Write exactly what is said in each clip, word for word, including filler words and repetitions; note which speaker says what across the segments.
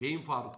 Speaker 1: Beyin Faruk.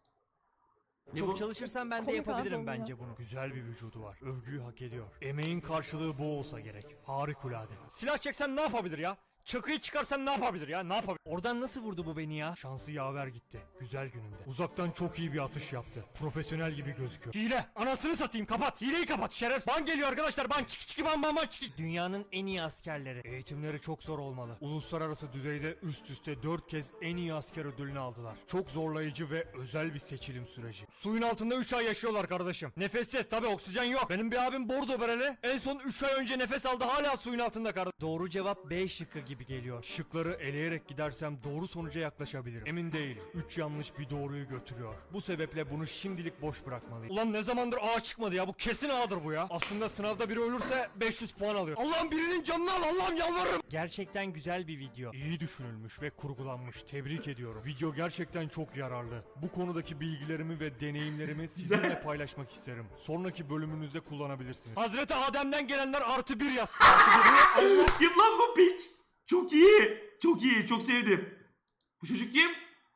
Speaker 1: Ne
Speaker 2: Çok
Speaker 1: bu?
Speaker 2: çalışırsam ben de
Speaker 3: Komik
Speaker 2: yapabilirim
Speaker 3: abi
Speaker 2: bence
Speaker 3: ya.
Speaker 2: bunu.
Speaker 4: Güzel bir vücudu var. Övgüyü hak ediyor. Emeğin karşılığı bu olsa gerek. Harikulade. Silah çeksen ne yapabilir ya? Çakıyı çıkarsan ne yapabilir ya? Ne yapabilir?
Speaker 2: Oradan nasıl vurdu bu beni ya?
Speaker 4: Şansı yaver gitti. Güzel gününde. Uzaktan çok iyi bir atış yaptı. Profesyonel gibi gözüküyor. Hile! Anasını satayım, kapat! Hileyi kapat şeref! Ban geliyor arkadaşlar, ban! Çık çık ban ban ban çık!
Speaker 2: Dünyanın en iyi askerleri.
Speaker 4: Eğitimleri çok zor olmalı. Uluslararası düzeyde üst üste dört kez en iyi asker ödülünü aldılar. Çok zorlayıcı ve özel bir seçilim süreci. Suyun altında üç ay yaşıyorlar kardeşim. Nefessiz, tabi oksijen yok. Benim bir abim bordo bereli. En son üç ay önce nefes aldı, hala suyun altında kardeşim.
Speaker 2: Doğru cevap B şıkkı gibi geliyor.
Speaker 4: Şıkları eleyerek gidersem doğru sonuca yaklaşabilirim. Emin değilim. üç yanlış bir doğruyu götürüyor. Bu sebeple bunu şimdilik boş bırakmalıyım. Ulan ne zamandır A çıkmadı ya, bu kesin A'dır bu ya. Aslında sınavda biri ölürse beş yüz puan alıyor. Allah'ım birinin canını al, Allah'ım yalvarırım.
Speaker 2: Gerçekten güzel bir video.
Speaker 4: İyi düşünülmüş ve kurgulanmış. Tebrik ediyorum. Video gerçekten çok yararlı. Bu konudaki bilgilerimi ve deneyimlerimi sizinle paylaşmak isterim. Sonraki bölümünüzde kullanabilirsiniz. Hazreti Adem'den gelenler artı bir yaz. Artı bir Allah.
Speaker 1: Kim lan bu piç? Çok iyi. Çok iyi. Çok sevdim. Bu çocuk kim?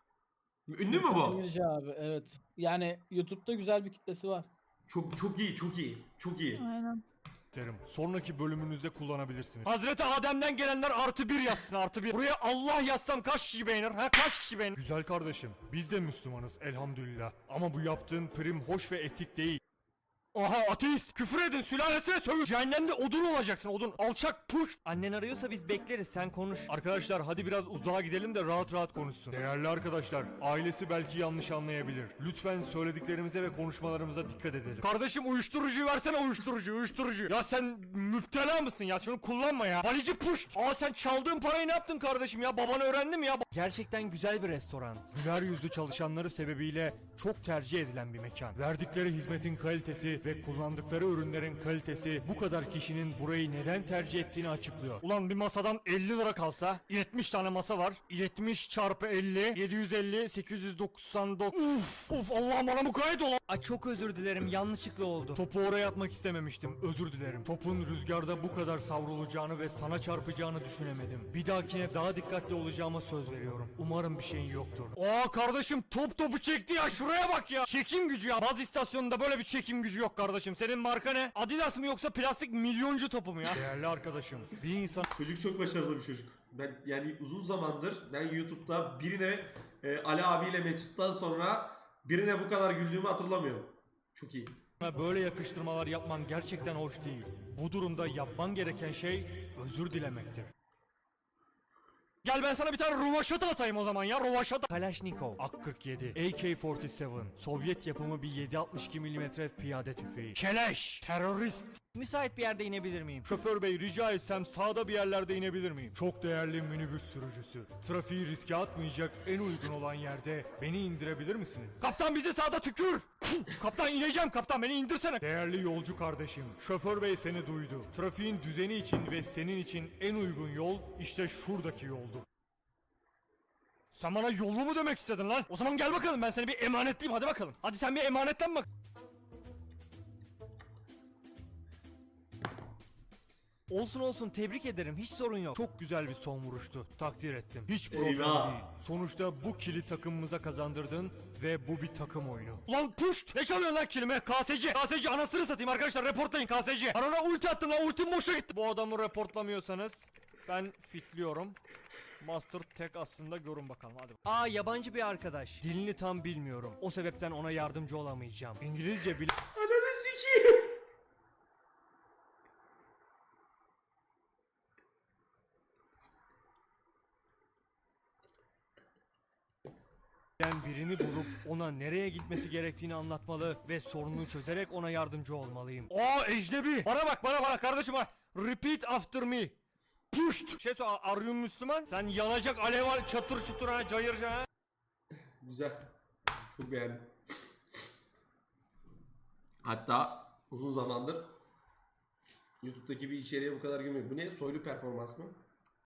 Speaker 1: Ünlü mü bu?
Speaker 3: Demirci abi, evet. Yani YouTube'da güzel bir kitlesi var.
Speaker 1: Çok çok iyi. Çok iyi. Çok iyi.
Speaker 3: Aynen.
Speaker 4: isterim. Sonraki bölümünüzde kullanabilirsiniz. Hazreti Adem'den gelenler artı bir yazsın, artı bir. Buraya Allah yazsam kaç kişi beğenir? Ha kaç kişi beğenir? Güzel kardeşim, biz de Müslümanız elhamdülillah. Ama bu yaptığın prim hoş ve etik değil. Aha ateist, küfür edin, sülalesine sövün. Cehennemde odun olacaksın, odun. Alçak puş.
Speaker 2: Annen arıyorsa biz bekleriz, sen konuş.
Speaker 4: Arkadaşlar hadi biraz uzağa gidelim de rahat rahat konuşsun. Değerli arkadaşlar, ailesi belki yanlış anlayabilir. Lütfen söylediklerimize ve konuşmalarımıza dikkat edelim. Kardeşim uyuşturucuyu versene, uyuşturucu, uyuşturucu. Ya sen müptela mısın ya? Şunu kullanma ya. Balici puş. Aa sen çaldığın parayı ne yaptın kardeşim ya? Baban öğrendi mi ya?
Speaker 2: Gerçekten güzel bir restoran.
Speaker 4: Güler yüzlü çalışanları sebebiyle çok tercih edilen bir mekan. Verdikleri hizmetin kalitesi ve kullandıkları ürünlerin kalitesi bu kadar kişinin burayı neden tercih ettiğini açıklıyor. Ulan bir masadan elli lira kalsa yetmiş tane masa var. yetmiş çarpı elli yedi yüz elli sekiz yüz doksan dokuz. Uf uf Allah'ım bana mukayyet ol.
Speaker 2: Ay çok özür dilerim, yanlışlıkla oldu.
Speaker 4: Topu oraya atmak istememiştim. Özür dilerim. Topun rüzgarda bu kadar savrulacağını ve sana çarpacağını düşünemedim. Bir dahakine daha dikkatli olacağıma söz veriyorum. Umarım bir şeyin yoktur. Aa kardeşim top topu çekti ya, şuraya bak ya. Çekim gücü ya. Baz istasyonunda böyle bir çekim gücü yok kardeşim. Senin marka ne? Adidas mı yoksa plastik milyoncu topu mu ya? Değerli arkadaşım, bir insan
Speaker 1: Çocuk çok başarılı bir çocuk. Ben yani uzun zamandır ben YouTube'da birine e, Ali abiyle Mesut'tan sonra birine bu kadar güldüğümü hatırlamıyorum. Çok iyi.
Speaker 4: böyle yakıştırmalar yapman gerçekten hoş değil. Bu durumda yapman gereken şey özür dilemektir. Gel ben sana bir tane rovaşata atayım o zaman ya, rovaşata.
Speaker 2: Kalashnikov.
Speaker 4: A kırk yedi, A K kırk yedi, Sovyet yapımı bir yedi altmış iki milimetre piyade tüfeği. Keleş, terörist.
Speaker 2: Müsait bir yerde inebilir miyim?
Speaker 4: Şoför bey rica etsem sağda bir yerlerde inebilir miyim? Çok değerli minibüs sürücüsü. Trafiği riske atmayacak en uygun olan yerde beni indirebilir misiniz? Kaptan bizi sağda tükür. Kaptan ineceğim, kaptan beni indirsene. Değerli yolcu kardeşim, şoför bey seni duydu. Trafiğin düzeni için ve senin için en uygun yol işte şuradaki yoldur. Sen bana yollu mu demek istedin lan? O zaman gel bakalım, ben seni bir emanetleyeyim, hadi bakalım. Hadi sen bir emanetlen bak.
Speaker 2: Olsun olsun, tebrik ederim, hiç sorun yok.
Speaker 4: Çok güzel bir son vuruştu. Takdir ettim. Hiç problem
Speaker 1: Eyvah.
Speaker 4: değil. Sonuçta bu kili takımımıza kazandırdın ve bu bir takım oyunu.
Speaker 2: Lan puşt!
Speaker 4: Ne çalıyorsun lan kilime? K S C. K S C anasını satayım arkadaşlar, reportlayın K S C. Ben ona ulti attım lan, ultim boşa gitti. Bu adamı reportlamıyorsanız ben fitliyorum. Master tek aslında, görün bakalım hadi.
Speaker 2: Aa, yabancı bir arkadaş.
Speaker 4: Dilini tam bilmiyorum. O sebepten ona yardımcı olamayacağım. İngilizce bil...
Speaker 1: Ananı sikeyim.
Speaker 4: Ben birini bulup ona nereye gitmesi gerektiğini anlatmalı ve sorununu çözerek ona yardımcı olmalıyım. Aa ecnebi! Bana bak, bana bana kardeşim bak. Repeat after me. Puşt! Şey sor, arıyorum Müslüman. Sen yanacak alev al, çatır çutur ha, cayırca ha.
Speaker 1: Güzel. Çok beğendim. Hatta uzun zamandır YouTube'daki bir içeriğe bu kadar gülmüyorum. Bu ne? Soylu performans mı?